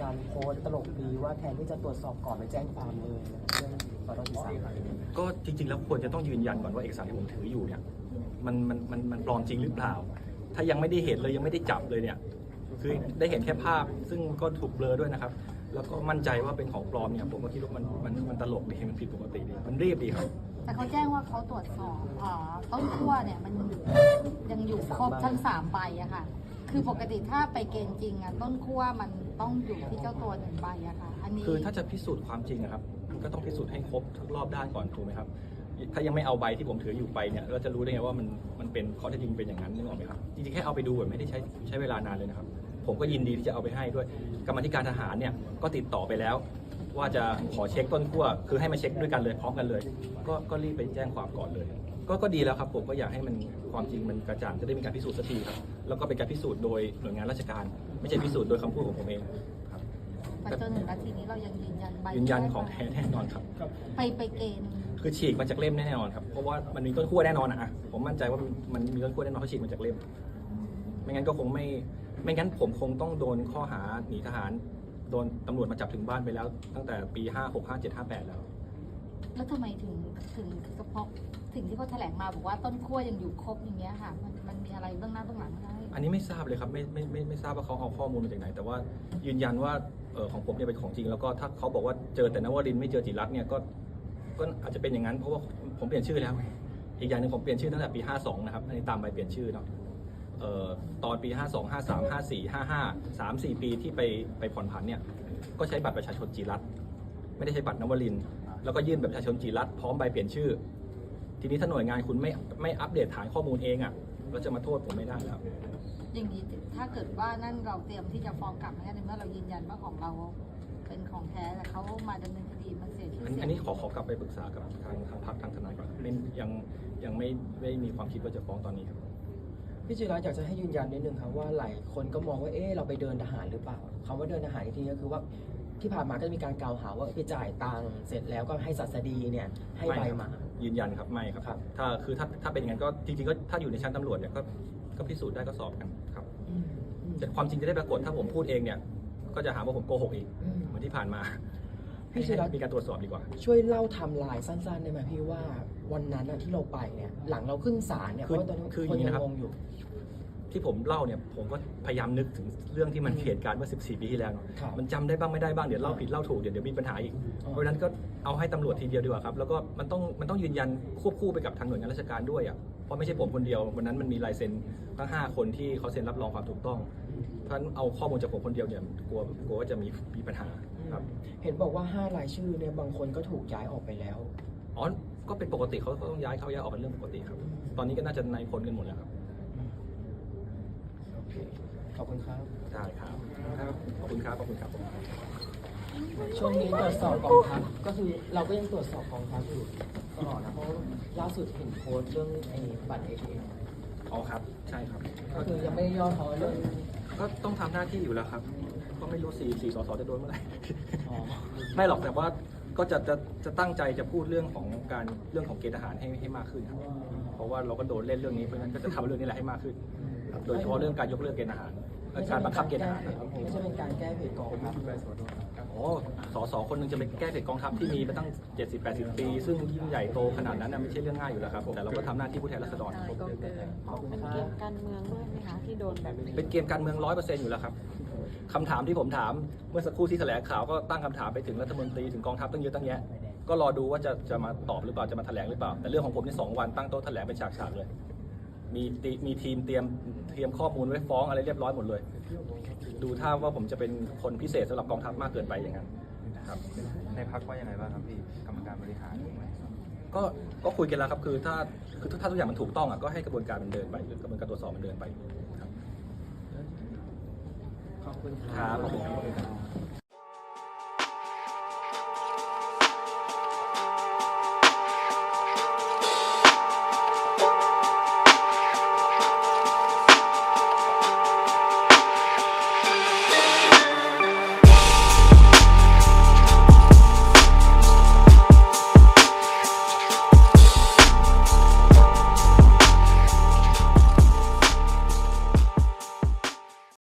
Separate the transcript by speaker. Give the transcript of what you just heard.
Speaker 1: การโพสต์ตลกดีว่าแทนที่จะตรวจสอบก่อนไปแจ้งความเลยเรื่องสต.ที่3
Speaker 2: ก็จริงๆแล้วควรจะต้องยืนยันก่อนว่าเอกสารที่ผมถืออยู่เนี่ยมันปลอมจริงหรือเปล่าถ้ายังไม่ได้เห็นเลยยังไม่ได้จับเลยเนี่ยคือได้เห็นแค่ภาพซึ่งก็ถูกเบลอด้วยนะครับแล้วก็มั่นใจว่าเป็นของปลอมเนี่ยผมก็คิดว่ามันตลกดีมันผิดปกติดีมันรีบดีครับ
Speaker 3: แต่เขาแจ้งว่าเขาตรวจสอบต้นขั้วเนี่ยมันยังอยู่ครบทั้ง3ใบอะค่ะคือปกติถ้าไปเกณฑ์จริงอะต้นขั้วมันต้องอยู่ที่เจ้าตัว1ใบอะค่ะอันนี้
Speaker 2: คือถ้าจะพิสูจน์ความจริงอะครับก็ต้องพิสูจน์ให้ครบทุกรอบด้านก่อนถูกไหมครับถ้ายังไม่เอาใบที่ผมถืออยู่ไปเนี่ยเราจะรู้ได้ไงว่ามันเป็นข้อเท็จจริงเป็นอย่างนั้นนึกออกไหมครับจริงๆแค่เอาไปดูแบบไม่ได้ใช้เวลานานเลยนะครับผมก็ยินดีที่จะเอาไปให้ด้วยกรรมาธิการทหารเนี่ยก็ติดต่อไปแล้วว่าจะขอเช็คต้นขั้วคือให้มาเช็คด้วยกันเลยพร้อมกันเลยก็รีบไปแจ้งความก่อนเลยก็ดีแล้วครับผมก็อยากให้มันความจริงมันกระจ่างจะได้มีการพิสูจน์สักทีครับแล้วก็เป็นการพิสูจน์โดยหน่วยงานราชการไม่ใช่พิสูจน์โดยคำพูดของผมเองครับ
Speaker 3: แต่จนถึงนาทีนี้เรายัง
Speaker 2: ยืนยันของแท้แน่นอนครับ
Speaker 3: ไปเกณฑ์
Speaker 2: คือฉีกมาจากเล่มแน่นอนครับเพราะว่ามันมีต้นขั้วแน่นอนอะผมมั่นใจว่ามันมีต้นขั้วแน่นอนเขาฉีกมาจากเล่มไม่งั้นก็คงไม่งั้นผมคงต้องโดนข้อหาหนีทหารโดนตำรวจมาจับถึงบ้านไปแล้วตั้งแต่ปี56 57 58แล้ว
Speaker 3: ทำไมถึงเฉพาะสิ่งที่เขาแถลงมาบอกว่าต้นขั้วยังอยู่ครบอย่างเงี้ยค่ะมันมีอะไรเบื้องหน้าเบื้องหลังได้
Speaker 2: อันนี้ไม่ทราบเลยครับไม่ทราบว่าเขาเอาข้อมูลมาจากไหนแต่ว่ายืนยันว่าของผมเนี่ยเป็นของจริงแล้วก็ถ้าเขาบอกว่าเจอแต่นวรินทร์ไม่เจอจิรัตน์เนี่ยก็อาจจะเป็นอย่างนั้นเพราะว่าผมเปลี่ยนชื่อแล้วอีกอย่างหนึ่งผมเปลี่ยนชื่อตั้งแต่ปี52นะครับอันนี้ตามใบเปลี่ยนชื่อเนาะตอนปี52 53 54 55 3-4 ปีที่ไปผ่อนผันเนี่ยก็ใช้บัตรประชาชนจิรัตน์ไม่ได้ใช้บัตรนวรินทร์แล้วก็ยื่นบัตรประชาชนจิรัตน์พร้อมใบเปลี่ยนชื่อทีนี้ถ้าหน่วยงานคุณไม่อัปเดตฐานข้อมูลเองอ่ะก็จะมาโทษผมไม่ได้แล้ว
Speaker 3: อย่างนี้ถ้าเกิดว่านั่นเราเตรียมที่จะฟ้องกลับในเมื่อเรายืนยันว่าของเราเป็นของแท้แต่เขามาดำเนินคดีมันเสียชื่อเสียง
Speaker 2: อันนี้ขอกลับไปปรึกษากับทางพรรคทางทนายก่อนยังไม่มีความคิดว่าจะฟ้องตอนนี้ครับ
Speaker 1: พี่จิรัตน์อยากจะให้ยืนยันนิดนึงครับว่าหลายคนก็มองว่าเราไปเดินทหารหรือเปล่าคำว่าเดินทหารทีก็คือว่าที่ผ่านมาก็จะมีการกล่าวหาว่าไปจ่ายตังค์เสร็จแล้วก็ให้ศัสดีเนี่ยให้ใบมา
Speaker 2: ยืนยันครับไม่ครับถ้าเป็นอย่างนั้นก็จริงๆก็ถ้าอยู่ในชั้นตำรวจเนี่ยก็พิสูจน์ได้ก็สอบกันครับแต่ความจริงจะได้ปรากฏถ้าผมพูดเองเนี่ยก็จะหาว่าผมโกหกอีกเหมือนที่ผ่านมา
Speaker 1: พี่จิรัตน์
Speaker 2: มีการตรวจสอบดีกว่า
Speaker 1: ช่วยเล่าไทม์ไลน์สั้นๆได้ไหมพี่ว่าวันนั้นที่เราไปเนี่ยหลังเราขึ้นศาลเนี่ยเพราะตอนนี้คนยังงงอยู่
Speaker 2: ที่ผมเล่าเนี่ยผมก็พยายามนึกถึงเรื่องที่มันเหตุการณ์เมื่อ14 ปีที่แล้วมันจำได้บ้างไม่ได้บ้างเดี๋ยวเล่าผิดเล่าถูกเดี๋ยวมีปัญหาอีกเพราะฉะนั้นก็เอาให้ตำรวจทีเดียวดีกว่าครับแล้วก็มันต้องยืนยันควบคู่ไปกับทางหน่วยงานราชการด้วยเพราะไม่ใช่ผมคนเดียววันนั้นมันมีลายเซ็นทั้ง5 คนที่เขาเซ็นรับรองความถูกต้องเพราะฉะนั้นเอาข้อมูลจากผมคนเดียวเนี่ยกลัวว่าจะมีปัญหาครับ
Speaker 1: เห็นบอกว่า5 รายชื่อเนี่ยบางคนก็ถูกย้ายออกไปแล้ว
Speaker 2: ก็เป็นปกติเขาต้องย้ายออกเป็นเรื่องปกติครับตอนนี้ก็น่าจะนายพลกันหมดแล้วครับ
Speaker 1: ขอบคุณครับ
Speaker 2: ได้ครับขอบคุณครับ
Speaker 1: ช่วงนี้ตรวจสอบกองทัพก็คือเราก็ยังตรวจสอบกองทัพอยู่ตลอดนะเพราะล่าสุดเห็นโพสต์เรื่องบัตร ATM
Speaker 2: ครับใช่ครับ
Speaker 1: ก็คือยังไม่ย่อท้อเรื่อง
Speaker 2: ก็ต้องทำหน้าที่อยู่แล้วครับก็ไม่รู้4 สสจะโดนเมื่อไหร่ไม่หรอกแต่ว่าก็จะตั้งใจจะพูดเรื่องของเกณฑ์ทหารให้มากขึ้นครับเพราะว่าเราก็โดนเล่นเรื่องนี้เพราะฉะนั้นก็จะทำเรื่องนี้แหละให้มากขึ้นโดยเฉพาะเรื่องการยกเลิกเกณฑ์ทหารการบังคับเกณฑ์ทหาร
Speaker 1: ไม่ใช่เป็นการแก้เพจกองทัพ
Speaker 2: ส.คนหนึ่งจะไปแก้เพจกองทัพที่มีมาตั้ง70-80 ปีซึ่งยิ่งใหญ่โตขนาดนั้นไม่ใช่เรื่องง่ายอยู่แล้วครับแต่เราก็ทำหน้าที่ผู้แทนราษฎร
Speaker 4: เป็นเกมการเมืองด้วยไหมคะที่โดนแบบนี้
Speaker 2: เป็นเกมการเมือง 100% อยู่แล้วครับคำถามที่ผมถามเมื่อสักครู่ที่แถลงข่าวก็ตั้งคำถามไปถึงรัฐมนตรีถึงกองทัพตั้งเยอะตั้งแยะก็รอดูว่าจะมาตอบหรือเปล่าจะมาแถลงหรือเปล่าแต่เรื่องของผมนี่2 วันตั้งโต๊ะแถลงเป็นฉากๆเลยมีทีมเตรียมข้อมูลไว้ฟ้องอะไรเรียบร้อยหมดเลยดูท่าว่าผมจะเป็นคนพิเศษสำหรับกองทัพมากเกินไปอย่างนั้นครับ
Speaker 5: ในพรรคว่ายังไงบ้างครับพี่กรรมการบริหาร
Speaker 2: ก็คุยกันแล้วครับคือถ้าทุกอย่างมันถูกต้องก็ให้กระบวนการมันเดินไปกระบวนการตรวจสอบมันเดินไปครับ
Speaker 1: ขอบคุณ
Speaker 2: ครับ